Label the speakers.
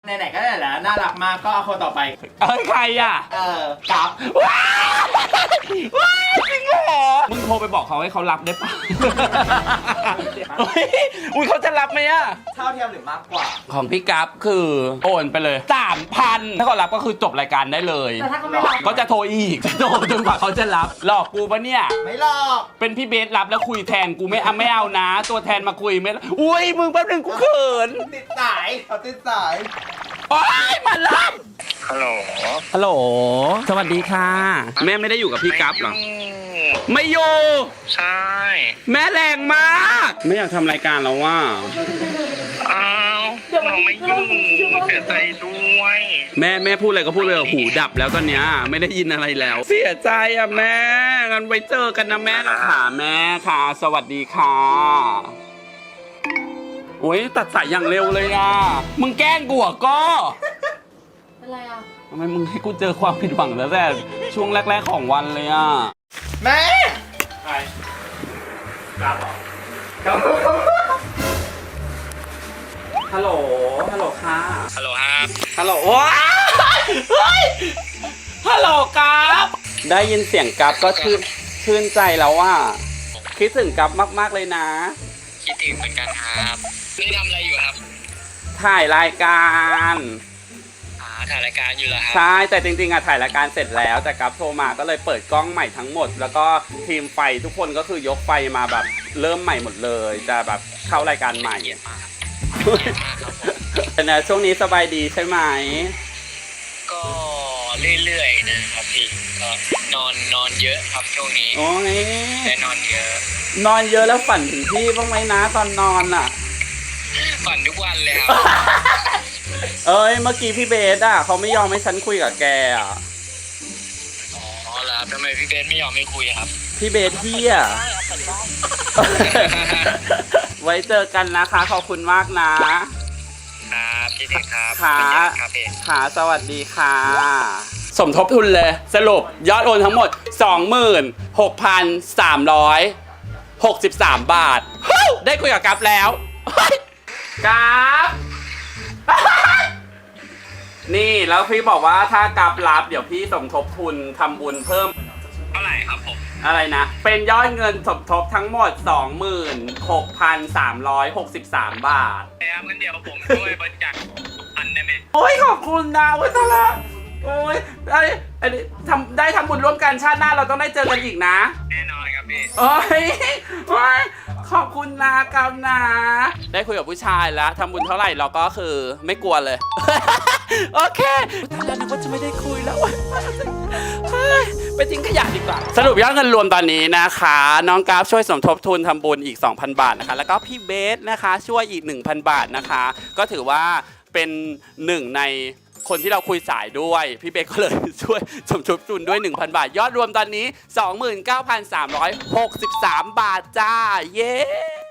Speaker 1: ไหนๆก็ได้แล้วน่ารักมากก็เอาคนต่อไป
Speaker 2: ใครอ่ะ
Speaker 1: กับ
Speaker 2: ว้าวจริงเหรอมึงโทรไปบอกเขาให้เขารับได้ปะอุ้ยเขาจะรับไหมอ่ะ
Speaker 1: เท่าเทียมหรือมากกว่า
Speaker 2: ของพี่กัฟคือโอนไปเลย 3,000 ถ้าเขารับก็คือจบรายการได้เลย
Speaker 1: แต่ถ้าเขาไม่รับ
Speaker 2: ก็จะโทรอีกจะโทรจนกว่าเขาจะรับหลอกกูปะเนี่ย
Speaker 1: ไม่หรอก
Speaker 2: เป็นพี่เบสรับแล้วคุยแทนกูไม่เอานะ ตัวแทนมาคุยไม่อุ้ยมึงแป๊บนึงกูเขิน
Speaker 1: ติดสายเขาติดสาย
Speaker 2: โอ๊ยมารับ
Speaker 3: ฮัลโหล
Speaker 2: ฮัลโหลสวัสดีค่ะ แม่ไม่ได้อยู่กับพี่กัฟเหรอไม่อยู่
Speaker 3: ใช่
Speaker 2: แม่แรงมาก ไม่อยากทำรายการแล้วว่า
Speaker 3: อ้าวเราไม่อยู่เสียใจด้วย
Speaker 2: แม่พูดอะไรก็พูดไปเถอะหูดับแล้วตอนเนี้ยไม่ได้ยินอะไรแล้ว เสียใจอ่ะแม่งั้นไว้เจอกันนะแม่นะคะแม่ค่ะ สวัสดีค่ะโอ้ยตัดสายอย่างเร็วเลยอ่ะมึงแกล้งกูอ่ะก็
Speaker 4: เป็นไรอ่ะ
Speaker 2: ทำไมมึงให้กูเจอความผิดหวังแล้วแต่ช่วงแรกๆของวันเลยอ่ะ
Speaker 1: แม่
Speaker 2: ใครกัฟฮัลโหลฮัลโหลค่ะ
Speaker 3: ฮัลโหลครับ
Speaker 2: ฮัลโหลว้าเฮ้ยฮัลโหลกัฟได้ยินเสียงกัฟก็ชื่นใจแล้วว่าคิดถึงกัฟมากๆเลยนะ
Speaker 3: คิดถึงเหมือนกันครับนี่ทำอะไรอยู่ครับ
Speaker 2: ถ่ายรายการ
Speaker 3: ถ่ายรายการอยู่เหรอครับ
Speaker 2: ใช่แต่จริงๆอะถ่ายรายการเสร็จแล้วแต่กัฟโทรมาก็เลยเปิดกล้องใหม่ทั้งหมด แล้วก็ทีมไฟทุกคนก็คือยกไฟมาแบบเริ่มใหม่หมดเลยจะแบบเข้ารายการใหม่
Speaker 3: เกลียดมากครับเกลียดมากครับผม
Speaker 2: แต่นะช่วงนี้สบายดีใช่ไหม
Speaker 3: ก็เรื่อยๆนะครับพี่ก็นอนเยอะครับช่วงนี้
Speaker 2: โอ้ย
Speaker 3: ได้นอนเยอะ
Speaker 2: นอนเยอะแล้วฝันถึงพี่บ้างไหมนะตอนนอนอะ
Speaker 3: ฝันทุกวันเลยครับ
Speaker 2: เอ้ยเมื่อกี้พี่เบสอะเขาไม่ยอมให้ฉันคุยกับแกอะ
Speaker 3: อ๋อแล้วทำไมพี่เบสไม่ยอมไม่คุยครับ
Speaker 2: พี่เบสเที่ย ไว้เจอกันนะคะขอบคุณมากนะครับ
Speaker 3: พี่ถึงครับ
Speaker 2: ค่ะ
Speaker 3: ครับพี่
Speaker 2: ค่ะสวัสดีค่ะ สมทบทุนเลยสรุปยอดโอนทั้งหมด 26,363 บาทเฮ้ยได้คุยกับกัฟแล้วเฮ้ยกัฟ นี่แล้วพี่บอกว่าถ้ากัฟรับเดี๋ยวพี่สมทบทุนทำบุญเพิ่ม
Speaker 3: เท่าไหร่ครับผม
Speaker 2: อะไรนะ เป็นยอดเงินสมทบทั้งหมด 26,363 บาท
Speaker 3: แล้วงั้นเดี๋ยวผมช่วยบริจาคพันได้ไหม
Speaker 2: โอ้ยขอบคุณนะเว้ยตาละโอ้ยอันนี้ได้ทำบุญร่วมกันชาติหน้าเราต้องได้เจอกันอีกนะ
Speaker 3: แน่นอนครับพี่
Speaker 2: โอ้ยขอบคุณนะกัมนะ ได้คุยกับผู้ชายแล้วทำบุญเท่าไหร่เราก็คือไม่กลัวเลย โอเคตายแล้วนึกว่าจะไม่ได้คุยแล้วเฮ้ยไปทิ้งขยะดีกว่า สรุปยอดเงินรวมตอนนี้นะคะ น้องกราฟช่วยสมทบทุนทำบุญอีก 2,000 บาทนะคะ แล้วก็พี่เบสนะคะช่วยอีก 1,000 บาทนะคะ ก็ถือว่าเป็นหนึ่งในคนที่เราคุยสายด้วย พี่เบสก็เลยช่วยสมทบทุนด้วย 1,000 บาท ยอดรวมตอนนี้ 29,363 บาทจ้า เย้